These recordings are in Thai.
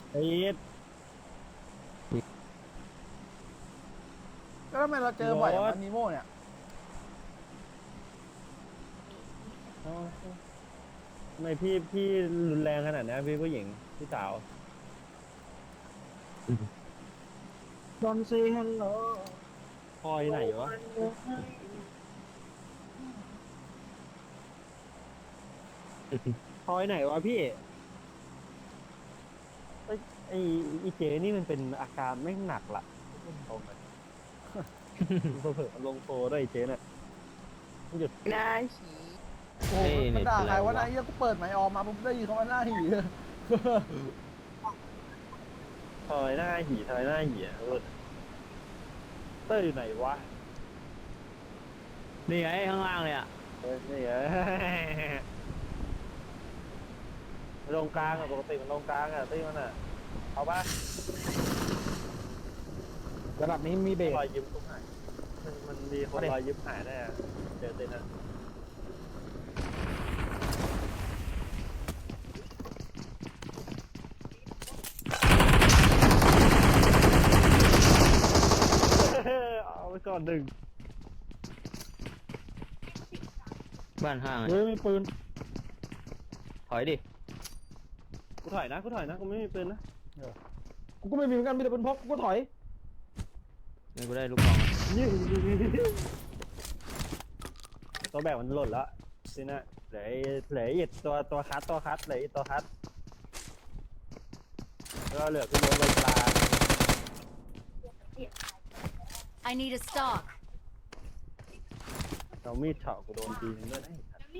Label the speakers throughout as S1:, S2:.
S1: ไอ้
S2: ก็ทำไมเราเจอบ่อยอย่างนั้นนีโม่เนี่ย
S1: ทำไมพี่รุนแรงขนาดนี้พี่ผู้หญิงพี่สาว
S3: Don't say hello
S1: พลอยไหน
S3: no
S1: วะ
S3: one will hide
S1: พลอยไหนวะพี่ไอ้ไอ้อีเจนี่มันเป็นอาการไม่หนักละตรงเลยเผลอๆลงโตด้วยไอ้เจน่ะหยุด
S3: หน้าหี
S2: โอ้โหมันด่าใครวะนายเหี้ยกูเปิดไมค์ออกมาผมได้ยินคำว่าหน้าหี
S1: พลอยหน้าหีทอยหน้าหีอะเต้ยอยู่ไหนวะ
S4: นี่ไงข้างล่างเลยอ่ะ
S1: นี่ไงลงกลางอะปกติมันลงกลางอะตี้มันอะเอาปะ
S3: ระดับนี้มีเบรก
S1: รอยยิ้มตรงไหนมันมีคนรอยยิ้มหายแน่เจอตีนะเอาไปก่อนหนึ่ง
S4: บ้านห้างอะ
S3: เฮ้ยมีปืน
S4: ถอยดิ
S1: กูถอยนะกูไม่มีปืนนะ
S3: กูก็ไม่มีเหมือนกันมีแต่ปืนพกกูก็ถอย
S4: นี่กูได้ลูกกรองอะ
S1: ยิงตัวแบกมันหล่นแล้วทีน่ะเหลืออีกตัวคัดเหลืออีกตัวคัดก็เหลือพี่โน้ตใบปลา
S5: I need a stock.
S1: เอามีดเฉาะกูโดนทีนึงด้วยนะ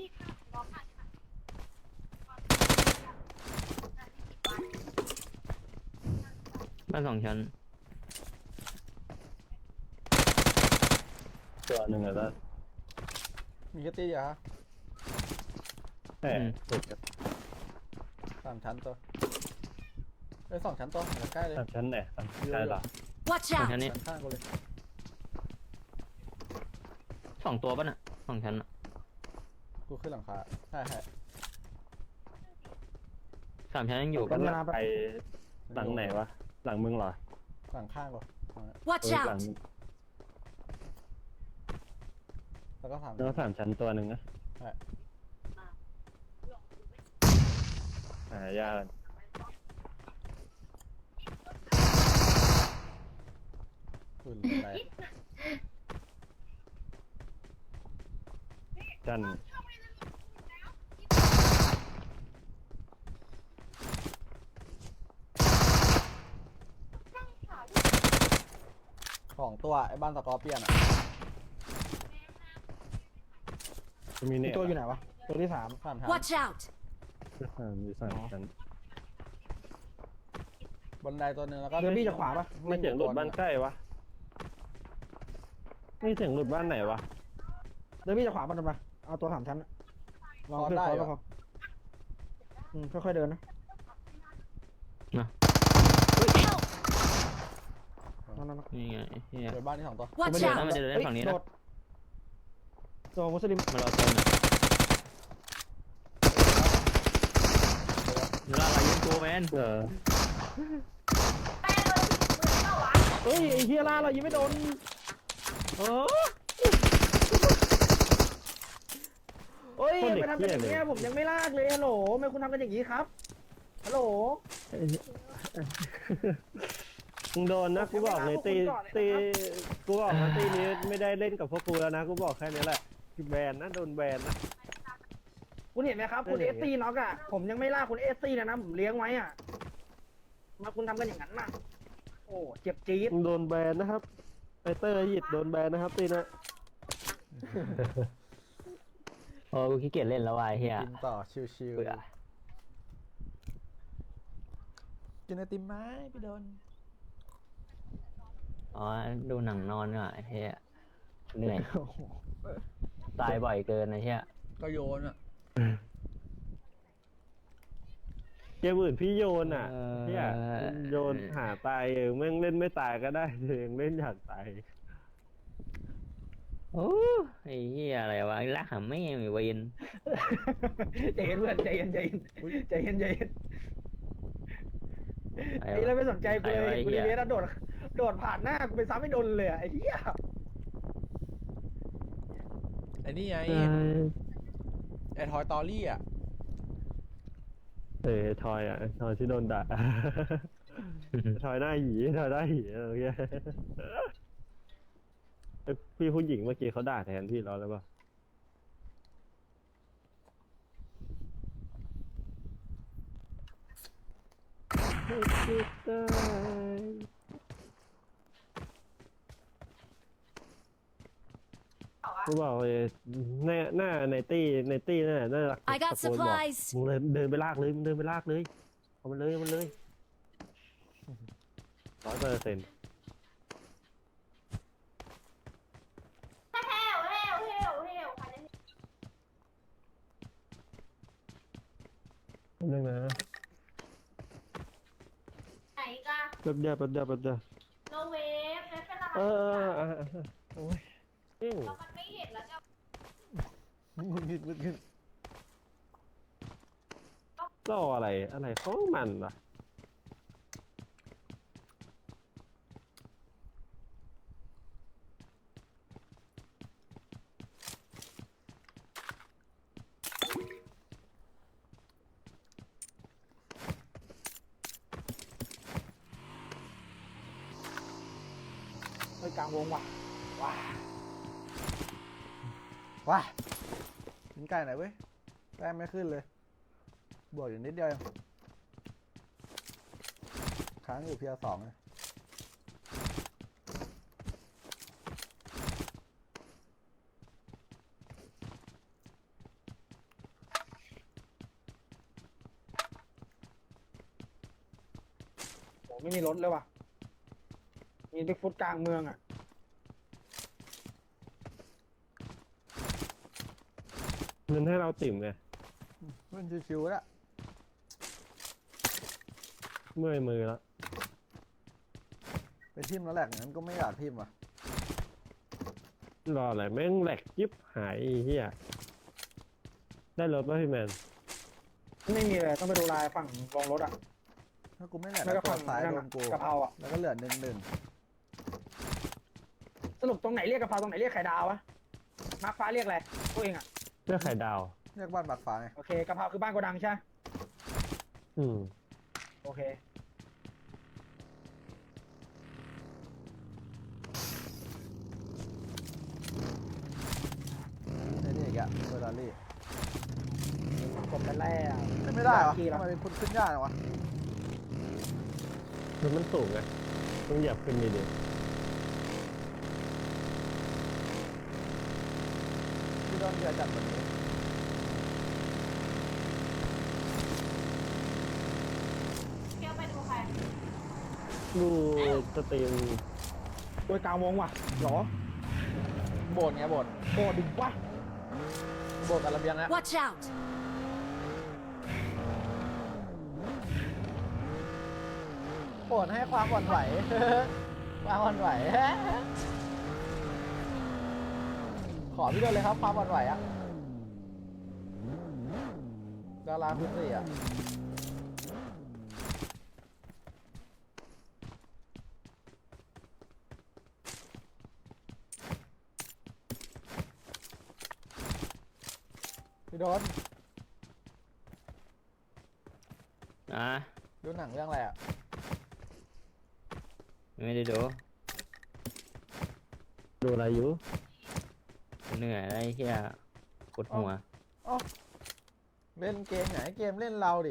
S4: บ้านสองชั้น
S1: ตัวหนึ่งอะแล้ว
S2: มีกระตี้เหรอฮะ
S1: แหมสุด
S2: 3 ชั้นตัวเอ้ย2 ชั้นตัวอยู่ใกล้เลย
S1: สามชั้นไหนสามชั้นใช่หรอ
S5: Watch
S4: สอง
S5: out!
S4: ชั้นนี้
S2: ชั้นข้างกูเลย
S4: สองตัวป่ะน่ะสองชั้นอะ
S2: กูขึ้นหลังคาใช่
S4: สามชั้นยังอยู่
S1: ก็
S4: ป่ะ
S1: หลังไปหลังไหนวะหลังมึงเหรอ
S2: หลังข้างกู
S5: Watch
S1: หลัง
S5: out!
S2: แล้วก็3
S1: แล้วสามชั้นตัวหนึ่งนะ
S2: ใช่
S1: ยาก
S2: ปืนอะไร
S1: จัน
S2: 2 ตัวไอ้บ้านสกอร์เปียนอ่ะ
S1: มีเนี่ย
S3: ตัวอยู่ไหนวะตัวที่
S2: 3 ชั้น
S5: Watch out!
S1: มีสามชั้น
S2: บนไดตัวหนึ่งแล้วก็
S3: 3เดินพี่จะขวาปะ
S1: ไม่เสียงหลุดบ้านใกล้วะไม่เสียงหลุดบ้านไหนวะ
S3: เดินพี่จะขวาปะทำไมเอาตัว3ชั้นอะลองขึ้นคอก็พอค่อยๆเดินนะ
S5: Help!
S3: นั่น
S4: นี่ไงเฮีย
S2: เดี๋ยวบ้านที่2 ตัว
S3: ๆ
S5: Watch
S4: เดินนะ
S5: out!
S4: มันจะเดินฝั่งนี้นะ
S3: ตัวมุสลิม
S4: มารอเติมนะเวลาอะไรยิงกูแมน
S3: เฮ้ยไอ้เฮียล่าเรายิงไม่โดนโอ้ยไปทำกันอย่างเงี้ยผมยังไม่ลากเลยฮัลโหลทำไมคุณทำกันอย่างนี้ครับฮัลโหล
S1: มึงโดนนะกูบอกเลยตีกูบอกนะตีนี้ไม่ได้เล่นกับพวกกูแล้วนะกูบอกแค่นี้แหละแบนนะโดนแบนนะ
S3: คุณเห็นไหมครับคุณเอสซีน็อกอ่ะผมยังไม่ลากคุณเอสซีนะผมเลี้ยงไว้อ่ะมาคุณทำกันอย่างนั้นน่ะโอ้เจ็บจี๊ด
S1: มึงโดนแบนนะครับไอเตอร์หยิดโดนแบนนะครับตีนะ
S4: โอ้กูขี้เกียจเล่นแล้ววายเฮีย
S2: กินต่อชิว
S4: เบื่อ
S2: ๆกินไอติมไหมพี่โดน
S4: อ๋อดูหนังนอนอ่ะเฮียเหนื่อยตายบ่อยเกินนะเฮีย
S2: ก็โยนอ่ะ
S1: เกมอื่นพี่โยนอ่ะพี่โยนหาตายเองแม่งเล่นไม่ตายก็ได้เองเล่นอยากตาย
S4: โอ้ไอ้เฮียอะไรวะลากหาไม่มีเวน
S3: ใจเย็นเพื่อนใจเย็นใจเย็นใจเย็นใจเย็น
S1: ไอ
S3: ไอ้แล้วไม่สนใจกูเลย
S4: ไอ้
S3: กู
S4: เหี้
S3: เลย เวทโดดผ่านหน้ากูไปซ้ำไม่โดนเลยอะไอ้เหี้ย
S2: ไอ้นี่ไงไอ้ทอยตอรี่อ่ะ
S1: ทอยอ่ะทอยที่โดนด่า ทอยหน้าหยีทอยหน้าหยีโอเคพี่ผู้หญิงเมื่อกี้เขาด่าแทนพี่เราแล้วป่ะกูบอกเลยหน้าในตี้น่ารัก
S5: I got
S1: ตะโกนบอก
S5: supplies.
S1: มึงเดินไปลากเลยมึงเดินไปลากเลยเอามันเลย100%นึงนะ
S6: ไหนกะ
S1: แป๊บเดียว
S6: โนเวฟไม่เป็นไร
S1: โอ้ยเอ้ง
S6: แล้วมันไม่เห็นแล้วจะ
S2: มึงหงิด
S1: รออะไรของมันวะ
S3: เฮ้ยกลางวงว่ะว้า
S2: ว้ายิงไก่หน่อยเว้ยแต้มไม่ขึ้นเลยบวกอยู่นิดเดียวเองค้างอยู่เพียร์2เลย
S3: โหไม่มีรถเลยว่ะมีบิ๊กฟุตกลางเมืองอ่ะ
S1: เงินให้เราติ่มไง
S2: มันชิวๆแล้ว
S1: เมื่อยมือแล้ว
S2: ไปทิมแล้วแหลกงั้นก็ไม่อยากทิมอ่ะ
S1: รออะไรแม่งแหลกยิบหายไอ้เฮียได้รถป่ะพี่แมน
S3: ไม่มีเลยต้องไปดูลายฝั่งลงรถอ่ะ
S2: ถ้ากูไม่แหลก
S3: ไม่ก็
S2: ตัว
S3: ฝั่ง
S2: ซ้าย
S3: นั่น
S2: โด
S3: อะ
S2: นกู
S3: กะเพราอ่ะ
S2: แล้วก็เหลือ1-1
S3: สรุปตรงไหนเรียกกะเพราตรงไหนเรียกไข่ดาววะมาร์คฟ้าเรียกอะไรพวกเองอ่ะ
S1: เพื่อไข่ดาว
S2: เรียกบ้านบักฟ้าไง
S3: โอเคกะเพราคือบ้านโกดังใช่ไหม
S1: อืม
S3: โอเค
S2: ไอ้นี่อีกอะเฟอร์รารี่
S3: กดไปแล้ว
S2: ไม่ได้วะ
S3: ขี่ละ
S2: ทำไมเป็นคนขึ้นยากจังวะ
S1: มันสูงไงต้องเหยียบขึ้นดี
S2: พี่โดนเดือจัดแบบนี้
S6: เที่ยวไปดูใคร
S1: ๆดูสตรีม
S3: โดยกลางวงว่ะเหรอ
S2: โบดไงโบด
S3: โบดิวะ
S2: โบดกับระเบียงนะ
S5: Watch out.
S2: โบดให้ความหวั่นไหว ความหวั่นไหว ขอพี่โดนเลยครับความหวั่นไหวอะดาราคุณสี่อะพี่โดน
S4: อ่ะ
S2: ดูหนังเรื่องอะไรอะ
S4: ไม่ได้ดู
S1: ดูอะไรอยู่
S4: เหนื่อยอะไรเฮียปวดหัว
S2: เล่นเกมไหนเกมเล่นเราดิ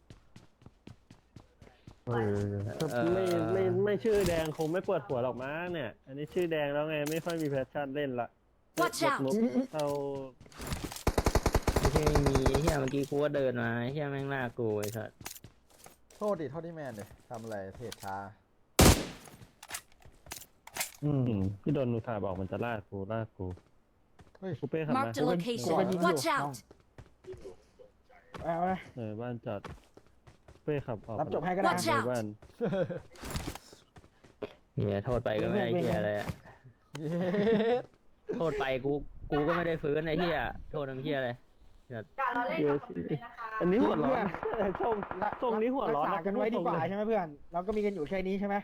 S1: ไม่ชื่อแดงคงไม่ปวดหัวหรอกมั้งเนี่ย อันนี้ชื่อแดงแล้วไงไม่ค่อยมีแพชชั่นเล่นละ
S5: Watch out
S1: เอา
S4: ไม่ใช่ไม่มีเฮียเมื่อกี้กูว่าเดินมาเฮียแม่งหน้ากูไอ้สัส
S2: โทษดิโทษที่แมนดิทำอะไรเทรดช้า
S1: พี่โดนนุสาบอกมันจะลากกู
S2: เฮ้ย
S1: กูเป้ขับมา
S5: Marked a location. Watch out.
S3: เอาเลย
S1: บ้านจอดเป้ขับออก
S3: รับจบให้ก็ได้
S5: Watch
S1: ใน
S5: out
S1: บ้าน
S4: เฮียโทษไปก็ไม่ได้เฮียอะไรอะ
S2: เย้
S4: โทษไปกูก็ไม่ได้ฟื้นไอ้เฮียโทษน้ำเฮียอะไร
S6: การเราเล่นกับคนอื่นเลยนะคะ
S1: อันนี้หัวร้อนทรงนี้หัวร้อน
S3: รักษากันไว้ดีกว่าใช่ไหมเพื่อน เราก็มีกันอยู่แค่นี้ใช่ไหม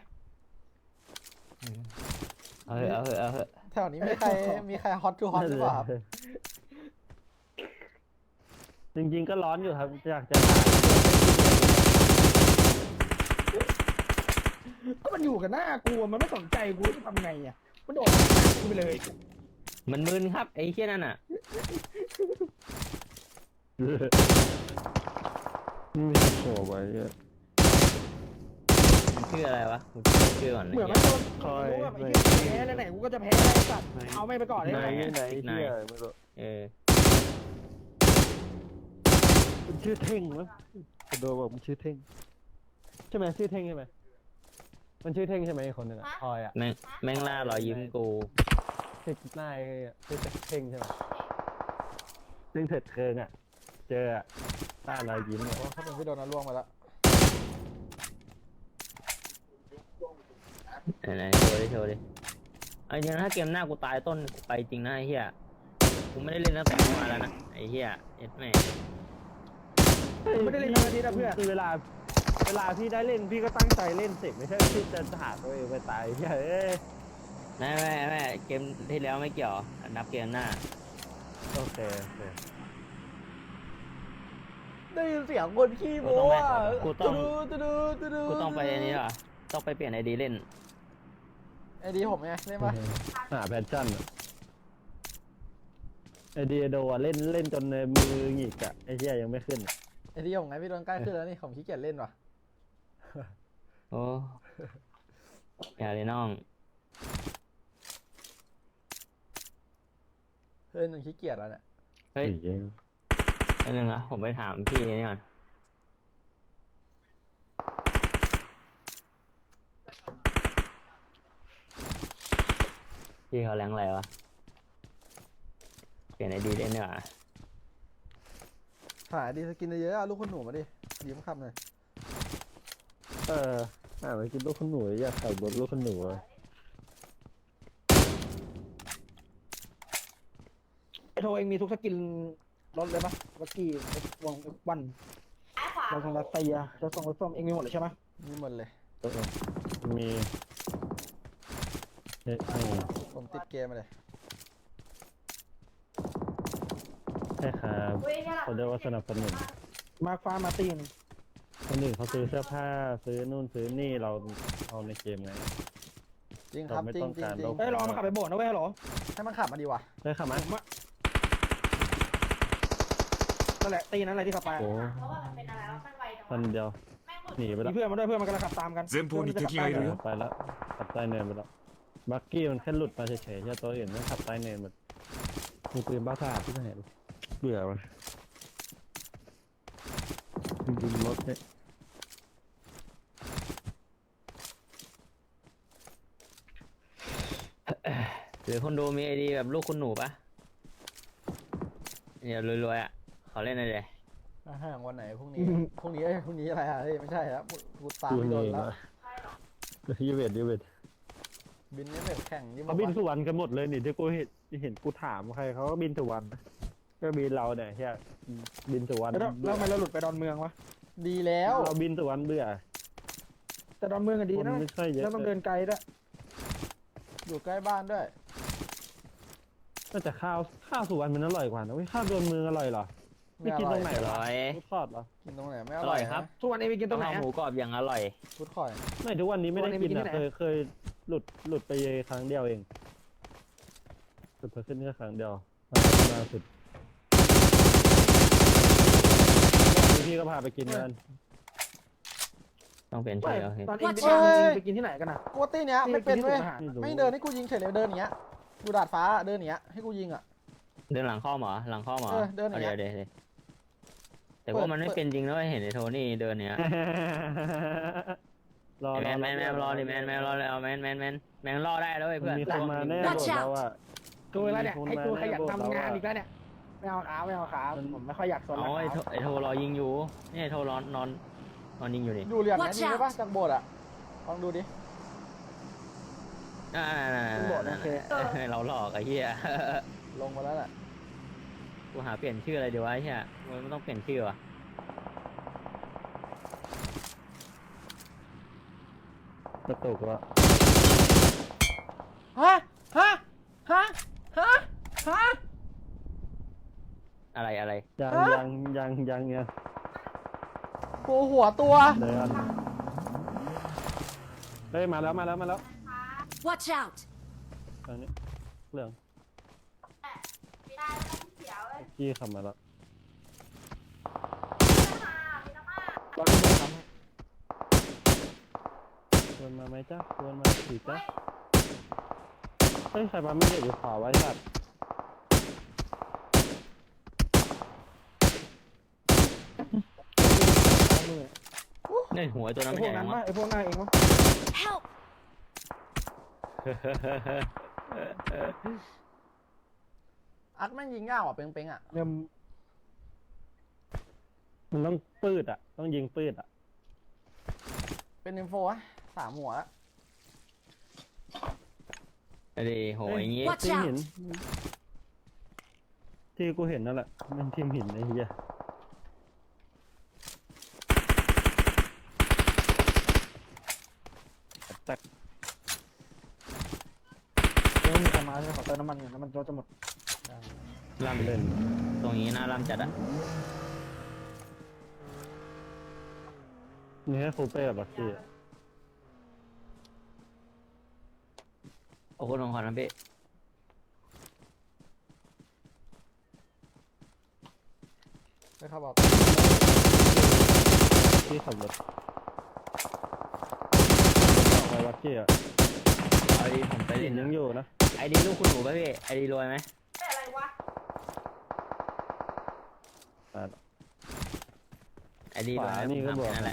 S4: เอาเถอะเอาเถอะเอาเถอะ
S2: แถวนี้มีใครฮอตทูฮอตหรือเปล่าครับ
S1: จริงๆก็ร้อนอยู่ครับอยากจะหา
S3: ก็มันอยู่กันหน้ากูอะมันไม่สนใจกูจะทำไงอ่ะมันโดดกูไปเลย
S4: มันมึนครับไอ้เหี้ยนั่นอ่ะ
S1: นี่มีโผล่ไว้เยอะ
S4: มันชื่ออะไรวะกูชื่อก่อน
S3: เหมือน
S4: ไอ้
S3: มัน
S4: เหี้ย
S3: โดนรู้ว่าไอ้เหี้ยแพ้ไหนๆกูก็จะแพ้ไอ้สัตว์เอาไม่ไปก่อนเลย
S1: ไหน
S3: ไง
S1: ไหนเฮียไม่รู้
S4: เออ
S1: มันชื่อเท่งมั้งโดบอกมันชื่อเท่งใช่ไหมชื่อเท่งใช่ไหมมันชื่อเท่งใช่ไหมคนนึงอ่ะพลอยอ่ะ
S4: แม่งล่ารอยยิ้มกู
S1: เท่งหน้าชื่อเท่งใช่ไหมซึ่งเถิดเคิงอ่ะเจออ่ะหน้าเรายิ้มอ่ะ
S2: โอ้ถ้าเป็นพี่โดนนะล่วงไปแล้ว
S4: ไหนโชว์ดิไอ้เนี่ยถ้าเกมหน้ากูตายต้นกูไปจริงนะไอ้เหี้ยกูไม่ได้เล่นตั้งแต่เมื่อวานแล้วนะไอ้เหี้ยเอ็ดแม่
S3: ไม่ได้เล่นทั้งอาทิตย์นะเพื่อน
S1: คือเวลาพี่ได้เล่นพี่ก็ตั้งใจเล่นเสร็จไม่ใช่พี่จะหาตัวเองไปตายเฮ้ย
S4: ไม่เกมที่แล้วไม่เกี่ยวนับเกมหน้า
S1: โอเค
S2: ได้ยินเสียงคนขี้โม้อะ
S4: กูต้อง
S2: ตูดู
S4: กูต้องไปอันนี้เหรอต้องไปเปลี่ยนไอดีเล่น
S2: ไอดีผมไงเล่นปะ
S1: หาแพชชั่นอะไอเดียโดอะเล่นจนในมือหงิกอะไอเหี้ยยังไม่ขึ้นอะ
S2: ไอดีผมไงพี่โดนใกล้ขึ้นแล้วนี่ผมขี้เกียจเล่นว่ะ
S4: โอ้อย่าเลยน้อง
S2: เฮ้ยหนึ่งขี้เกียจแล้วเนี่ย
S4: เฮ้ยอันนึงอ่ะผมไปถามพี่นี่ก่อนพี่เขาแรงอะไรวะเปลี่ยนไอดีเล่นดีกว่า
S2: หาดีสกินเยอะๆอะลูกคนหนูมาดิยิ้มคำเลย
S1: ไปกินลูกขนุนอยากใส่บนลูกขนุนอะ
S3: ไอ้โทเองมีทุกสกินรถเลยปะวักกี้วงวัน
S6: ซ้ายขวา
S3: เราทงรัสเซียเราส่งรถส้มเองมีหมดเลยใช่ไหม
S2: มีหมดเลย
S1: มีเฮ้ย
S2: ผมติดเกมมาเลย
S1: ใช่ครับ
S6: อุ้ยเนี่ย
S1: เขาเรียกว่าสนับสนุน
S3: มาร์คฟ้ามาร์ติน
S1: คนอื่นเขาซื้อเสื้อผ้าซื้อนู่นซื้อนี่เราเอาในเกมไง
S2: จริงครับ
S1: เราไม่
S2: จริ
S1: ต้อง ง
S2: จริง
S1: การ
S2: จริ
S1: โล
S2: ง
S1: ก
S3: เฮ้ยรอมาขับไปโบสถ์นะเว้ยฮัลโหล
S2: ให้มันขับมาดีวะ
S1: ได้ค่ะมั้ย
S3: ผมอะนั่นแหละตีนั่นแหละที่ขับไป
S1: โอ้
S6: เพราะว่ามันเป็นอะไรวะมันไวจัง
S1: คนเดียว
S6: แม่งหลุด
S1: หนีไป
S3: มี
S1: แล้ว
S3: เพื่อนมาด้วยเพื่อนมันกำลังขับตามกัน
S7: 前方に敵がいるよ
S1: ไปแล้วขับใต้เนินไปแล้วบักกี้มันแค่หลุดมาเฉยๆใช่ตัวอื่นมันขับใต้เนินหมดมีปืนบ้าซ่าที่ไหนเบื่อวะยิงรถเนี่ย
S4: หรือคนดูมีไอดีแบบลูกคุณหนูปะเนี่ยรวยๆอ่ะขอเล่นหน่อยเลย
S2: ห่างวันไหนพรุ่งนี้ พรุ่งนี้พรุ่งนี้อะไรอะเฮ้ยไม่ใช่ครับกูตามไม่โดนแล้ว
S6: ใช่หรอ
S1: ยูเวด
S2: บินนี่เป็นแข่งยี่
S1: เขาบินสุวรรณกันหมดเลยนี่ที่กูเห็นกูถามใครเขาก็บินสุวรรณก็บินเราเนี่ยใช่บินสุวรรณ
S3: แล้วทำไมเราหลุดไปดอนเมืองวะ
S2: ดีแล้ว
S1: เราบินสุวรรณเบื่อ
S3: แต่ดอนเมืองก็ดี
S1: คน
S3: นะ
S1: ไม่ค่อยเยอะ
S3: แล้วต้องเดินไกลด้วย
S2: อยู่ใกล้บ้านด้วย
S1: น่าจะข้าวสุวรรณมันอร่อยกว่านะเว้ยข้าวโดนมืออร่อยเหรอไม่กินตรงไหน
S4: อ
S1: เหรอ
S4: ร่อย
S1: ฟุตทอดเหรอ
S2: กินตรงไหนไม่อ
S4: อร่
S2: ร่อ
S4: อย ยครับ
S3: ทุกวันนี้ไปกินตรงไหน
S4: ข้าว
S3: อะ
S4: หมูกรอบอย่างอร่อย
S2: พุทธข่อย
S1: ไม่ทุกวันนี้ไม่ได้กิน
S3: วันนี้ไปกินที่
S1: อ่ะ
S3: ไหน
S1: เคยหลุดไปครั้งเดียวเองหลุดไปขึ้นแค่ครั้งเดียวล่าสุดพี่ก็พาไปกินกัน
S4: ต้องเปลี่ยน
S3: ไม่
S4: ชื่อโอเค
S3: ตอนเองไป
S2: เฮ้ย
S3: ไปกินที่ไหนกันอะ
S2: กูตี้เนี้ยไม่เป็นเว้ย
S3: ที่
S2: ไม่เดินให้กูยิงเฉยเลยเดินอย่างเงี้ยดูดาดฟ้าเดินอย่างเงี้ยให้กูยิงอ่ะ
S4: เดินหลังข้อมเหรอหลังข้อมเหรอ
S2: เดินอย่างเงี้ย
S4: เดี๋ยวแต่ว่ามันไม่เป็นจริงนะเว้ยเห็นไอ้โทนี่เดินเนี้ย
S1: รอ
S4: แมนรอดิแมนรอเลยเอาแมนรอได้แล้วเว้ย
S1: มัน
S4: เพื่อน
S1: มีคนมาแน่บอกเราอ่ะ
S3: กูแล้วเนี่ยให้กูขยันทำงานอีกแล้วเนี่ยไม่เอาขาไม่เอาขาผมไม่ค่อยอยากสน
S4: อ๋อ
S3: แล้ว
S4: ไอ้โทรอยิงอยู่นี่ไอ้โทรนอนยิงอยู่นี่
S2: อยู่เหลี่ยมเนี้ย
S5: Watch
S2: ยิงได้
S5: out
S2: ปะจากโบสถ์อ่ะลองดูดิ
S4: เราหลอกไอ้เหี้ย
S2: ลงมาแล้วแหละ
S4: กูหาเปลี่ยนชื่ออะไรดีวะไอ้เหี้ยมันต้องเปลี่ยนชื่อวะ
S1: กระตุกแล้ว
S2: ฮะฮะฮะฮะฮะ
S4: อะไร
S1: ยัง
S2: ฮะ
S1: ยังเนี่ย
S2: โผล่หัวตัว
S1: เดินเฮ้ยมาแล้ว
S5: Watch out!
S1: ตอนนี้เหลือง
S6: ไม่ได้ต้องเขียวเลย
S1: จี้ขับมาแล้ว
S6: มีน้ำมา
S3: เราต้องเดินทำให้
S1: ชวนมาไหมจ๊ะชวนมาสิจ๊ะเฮ้ยใครมาไม่ได้อยู่ขวาไว้สัตว์
S3: มือ
S4: เนี่ยหัวตัวนั้น
S3: ไอ้
S4: ไม่
S3: พวก
S4: ใช่
S3: นั้น
S4: ยัง
S3: ปะ
S4: วะ
S3: ไอ้พวกหน้าเองปะ
S5: Help!
S2: อักแม่งยิงง่าวอ่ะเป้งๆอ่ะ
S3: เนี่ย
S1: มันต้องปืดอ่ะ ต้องยิงปืดอ่ะ
S2: เป็นอินโฟอะ3 หัวละ
S4: ไอ้ดิโหอย่างงี้
S5: Watch
S1: ทีม
S5: out
S1: หินที่กูเห็นนั่นแหละมันทีมหินไอ้เหี้ยแต่
S3: เดี๋ยวมีใครมาใช่ไหมขอเติมน้ำมันก่อนน้ำมันรถจะหมด
S4: ล่ำ
S1: เล่น
S4: ตรงนี้น่าล่ำจัดอะ
S1: นี่ให้ฟูเป้กับบักกี้อะ
S4: โอ้โหลงขอนะพี่
S2: ไปครับบอก
S1: ที่ขับรถออกไปบักกี้อ่ะ
S4: เอาดีผมไป
S1: หิ
S4: เล่
S1: น
S4: น
S1: ยังอยู่นะ
S4: ไอดีลูกคุณหนูป่ะพี่ไอดีรวยไหม
S6: เป็นอะไรวะ
S1: อ่า
S4: ไอดีรวยไหม
S1: ขวานี่ก็
S4: ผม
S1: บอก
S4: ทำแค่นั่นแหละ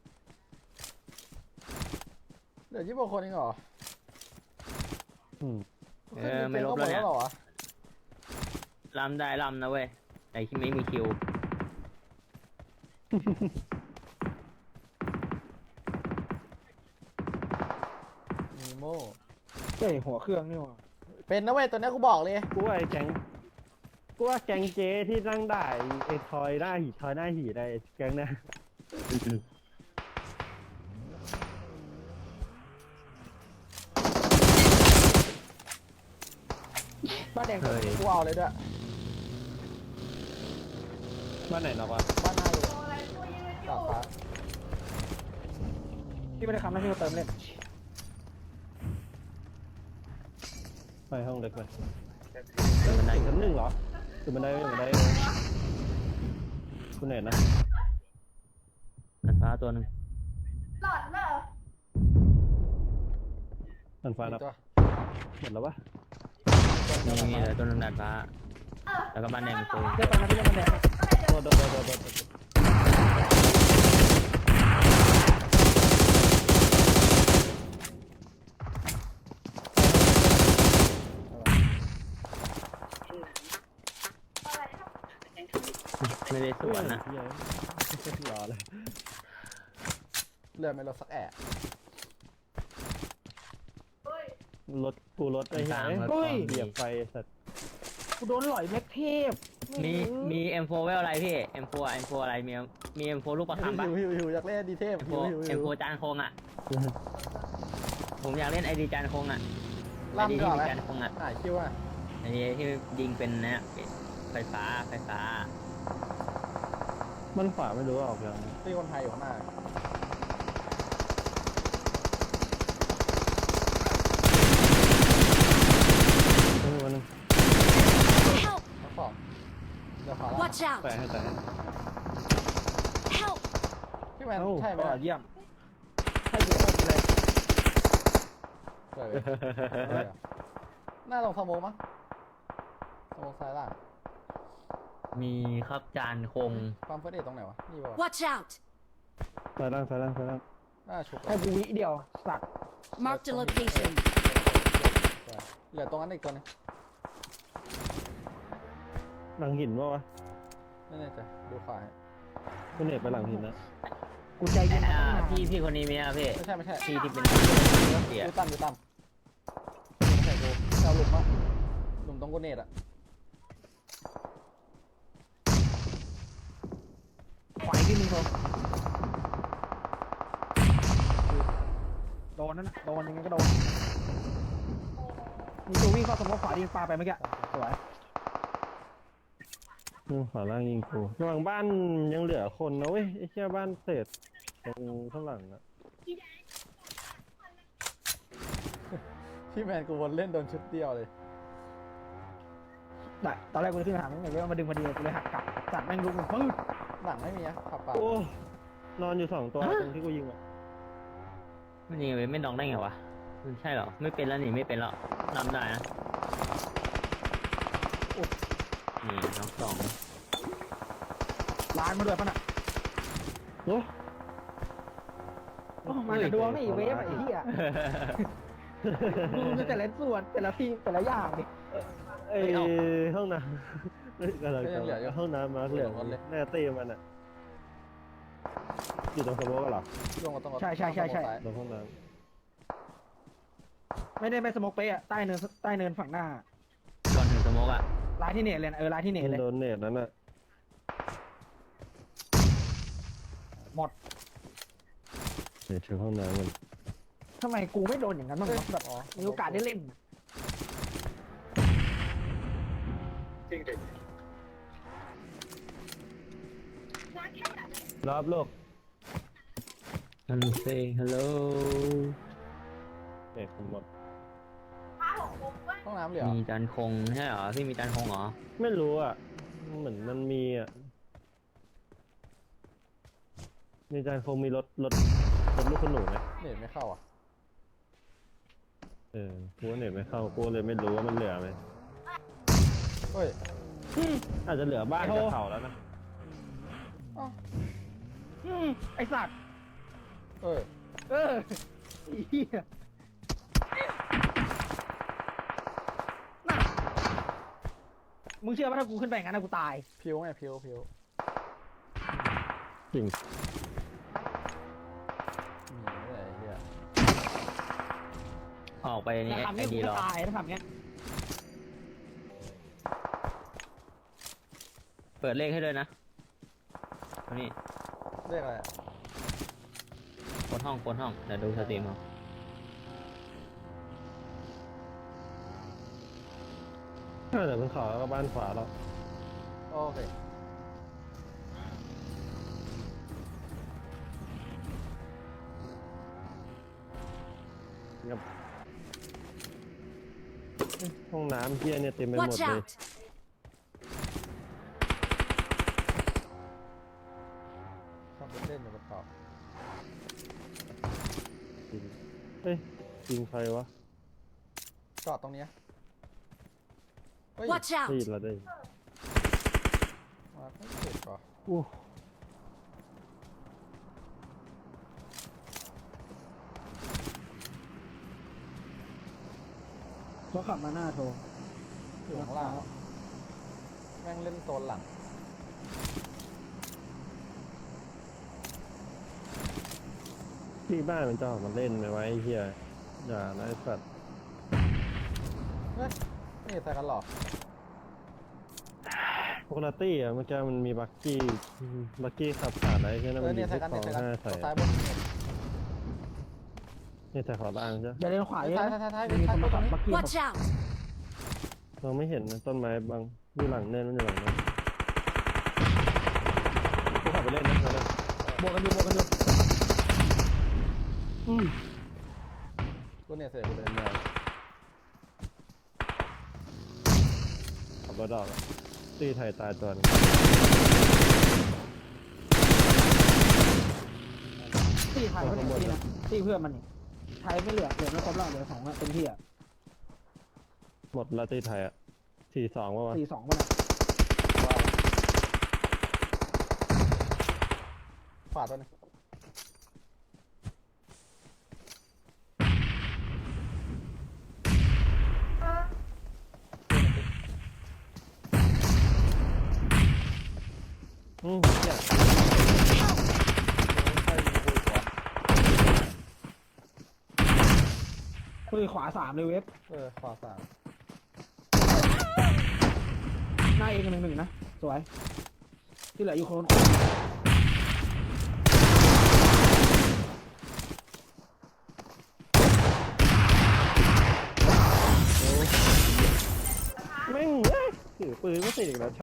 S2: เหลือ26 คนเองเหรอ
S1: อืม
S4: ไม่ลบแล้วเนี่ย
S2: ขึ้นก็หมดเหรอวะ
S4: ล่ำได้ล่ำนะเว้ยไอที่ไม่มีคิว
S2: นีโม
S3: เฮ้ยหัวเครื่องนี่หว่า
S2: เป็นนะเว้ยตัวเนี้ยกูบอกเลย
S1: กูว่าไอ้แก๊งกูว่าแก๊งเจที่นั่งได้ไอ้ทอยหน้าหีทอยหน้าหีได้ไอ้แก๊งเนะ
S3: บ้านแดง
S4: เฮ้ย
S2: กูเอาเลยด้วย
S1: บ้านไหนเนาะวะ
S2: บ้านหน้าอยู่
S6: โอะไรตัวยืนอ
S2: ดา
S6: ยู่
S2: ดฟ้า
S3: พี่ไม่ได้คำนะพี่มาเติมเล่น
S1: ไปห้องเล็กไป
S4: เป็นบันได
S1: ชั้นหนึ่งเหรอคือบันไดคุณเห็นนะ
S4: ตัดฟ้าตัวหนึ่ง
S6: หลอดเหรอ
S1: สันฟ้านับ
S2: ตัว
S1: หมดแล้ววะ
S4: มีเหลือตัวหนึงดัดฟ้า แล้วก็บ้านแดงตัว
S3: เล่นไปนะพี่เล่นบ้านแดง
S1: โดด
S4: ไม่ได้สวนนะ
S1: เหี้ยรอเลย
S2: เลือดไม่ลดสักแอะ
S6: เฮ้ย
S1: รถกูรถไอ้เหี้ย
S4: เฮ้ย
S1: เหยียบไฟสัตว์
S3: กูโดนหล่อยแม็กเทพ
S4: มี M4 เวลอะไรพี่ M4 อะไรมี M4 ลูกประคำปะ
S2: หิวอยากเล่นดีเทพ
S4: M4
S2: หิว
S4: M4 จานโคงอ่ะ ผมอยากเล่นไอดีจานโคงอ่ะไอ
S2: ล่ำ
S4: ดี
S2: ดีก
S4: ที่
S2: ว่า
S4: มี
S2: ไหม
S4: จานโคงอ่ะ
S2: คิวอ่ะ
S4: ไอดีที่ยิงเป็นเนี่ยไฟฟ้า
S1: มันขวาไม่รู้ว่าออกยัง
S2: ที่คนไทยอยู่ข้างหน้า
S1: วันนึง
S5: Help!
S2: ทั้งสองเดี๋ยวขอละ
S5: Watch out!
S1: แปะให้แต่
S5: Help!
S2: พี่แมน
S1: เอ้า
S2: ใช่ไหม
S3: เยี่ยมให้กูโคตรเลย
S2: เปิดเลยหน้าลงสโมกมั้งสโมกซ้ายล่าง
S4: มีครับจานโคง
S2: ปั๊มเฟิร์สเอตตรงไหนวะ นี่ป่ะ
S5: Watch out!
S1: ซ้ายล่าง
S2: หน้าฉุก
S3: ให้กูวิเดียวสัก
S5: Marked a location.
S2: เหลือตรงนั้นอีกตัวนึง
S1: หลังหินว่าวะ
S2: นี่ๆจ้ะดูขวาให้
S1: คุณเน็ตไปหลังหินนะ
S3: กูใจเย็นมาตั้งนาน
S4: พี่คนนี้มีอะพี่
S2: ไม่ใช่
S4: พี่ที่เป็นเสีย
S2: ดูตั้มไม่ใช่กูเอาหลุมมั้งหลุมตรงกูเนตอะ
S3: ขวายขึ้นมึงเขา
S2: เ
S3: โดนนั่นน่ะโดนยังไงก็โดนมีตัววิ่งเข้าสมมติขวายิงปลาไปเมื่อกี้สวย
S1: ขวาล่างยิงกูระหว่างบ้านยังเหลือคนนะเว้ยไอ้เชี่ยบ้านเศษตรงข้างหลังอะ
S2: พี่แมนกูวนเล่นโดนชุดเดียวเลย
S3: ได้ตอนแรกกูจะขึ้นมาหามึงไงเว้ยมาดึงพอดีกูเลยหักกลับจัดแม่งลุกมันปื้ด
S2: หลังไม่มีอะขับป่า
S1: โอ้นอนอยู่2 ตัวตรงที่กูยิงอะ
S4: มันยิงไปไม่ดองได้ไงวะใช่เหรอไม่เป็นแล้วนี่ไม่เป็นแล้วนำได้นะนี่น้องสอง
S3: ล้านมาด้วยปะน่ะ
S1: โอ้
S3: โอ้มาแต่ดวงนี่เวฟไอ้เหี้ยดูแต่ละส่วนแต่ละทีแต่ละอย่างดิ
S1: ไอห้องน้ำกำลังจะห้องน้ำมาร์คเหลืองแน่ตีมันอะอยู่ตรงสมองกันเหรอ
S2: ลงมาตรงกับ
S3: ใช่
S1: ตรงห้องน้
S3: ไม่ได้ไปสโมกเป๊ะใต้เนินฝั่งหน้า
S4: ก่อนถึงสโมกอ่ะ
S3: ลายที่เนตเลยนะลายที่เนตเลย
S1: ำโดนเนตนั้นอะ
S3: หมด
S1: เนตถึงห้องน้ำมัน
S3: ทำไมกูไม่โดนอย่างนั้นบ้างวะแบบมีโอกาสได้เล่น
S1: รอบโลก
S4: ฮัลโหลเซฮัลโหล
S1: เนตผมหมด
S6: ผ้า6 โมงเว้ย
S2: ห้องน้ำเหลือ
S4: มีจานคงใช่เหรอพี่มีจานคงเหรอ
S1: ไม่รู้อะเหมือนมันมีอะในจานคงมีรถลูกขนุนไหม
S2: เน็ตไม่เข้าอ่ะ
S1: กูว่าเน็ตไม่เข้ากูเลยไม่รู้ว่ามันเหลือไหม
S2: เฮ้ย
S1: อาจจะเหลือบ้านกับเขาแล้วนะ
S3: ไอสัตว์
S2: เออ
S3: ไอ้เหี้ยน่ะมึงเชื่อว่าถ้ากูขึ้นไปอย่างนั้นนะกูตาย
S2: พิวไงพิว
S1: จริง
S2: มีอะไรเฮีย
S4: ออกไปนี่
S3: ถ้าทำ
S4: ไอ้
S3: เนี้ยกู
S4: ดี
S3: ก็
S4: รอ
S3: ตายถ้าทำเนี้ย
S4: เปิดเลขให้ด้วยนะนี่
S2: เรียกอะไรอะ
S4: โพสห้องเดี๋ยวดูสตรีมเอา
S1: เดี๋ยวมันขอแล้วก็บ้านขวาแล้ว
S2: โอเค
S1: ครับห้องน้ำเฮียเนี่ยเต็มไปหมด
S5: Watch
S1: เลย
S5: out!
S2: ชอบเล่นอยู่บนเขา
S1: เฮ้ยยิงใครวะ
S2: จอดตรงเนี้ยเฮ้ย
S5: Watch
S1: ได้
S5: out!
S1: ยินแล้วได้ยิน
S2: มาไม่เจ็บก่อ
S1: อู้
S3: เขาขับมาหน้าโทร
S2: อยู่ข้างล่างแม่งเล่นโซนหลัง
S1: ที่บ้านมันจะออกมาเล่นไหมวะไอ้เฮียอย่านะไอ้สัตว์
S2: เฮ้ยนี่ใส่กันหรอ
S1: ปกติอ่ะเมื่อกี้มันมีบักกี้ขับผ่านอะไรแค่นั้น
S2: เอ
S1: มั
S2: อน
S1: ยิ
S2: เนี่ย
S1: ง
S2: ใส่
S1: พว
S2: กัน
S1: ก
S2: เนี่ย
S1: ส
S2: ใส่
S1: อง
S2: กัน
S1: ห้าใส่
S2: ซ้ายบน
S1: เนี่ยใส่ขอล่างใช่
S3: อย่าเล่นขวาเยอะ
S2: ท้าย
S3: มีคนมาขับบักกี้
S5: Watch out!
S1: เราไม่เห็นนะต้นไม้บางอยู่หลังเนินมันอยู่หลังเนินกูขับไปเล่นนะแล้ว
S3: บวกกันอยู่
S2: กูเนี่ยเสร็จกูเลยเนี่ย
S1: ขับรถออกอะตีไทยตายตัวนึง
S3: ตีไทยก็ตีนะตีเพื่อนมันนี่ไทยไม่เหลือไม่ครบแล้วเหลือ2อะเต็มที่อะ
S1: หมดละตีไทยอ่ะ4-2ว่ะ
S3: 4-2มันอะ
S2: ขวาตัวนึง
S1: เนี่ย
S3: คุยขวา3เลยเว็บ
S2: ขวาสาม
S3: หน้าเอง1-1นะสวยที่เหลืออยู่คน
S1: ถือปืนก็เสร็จอีกแล้ว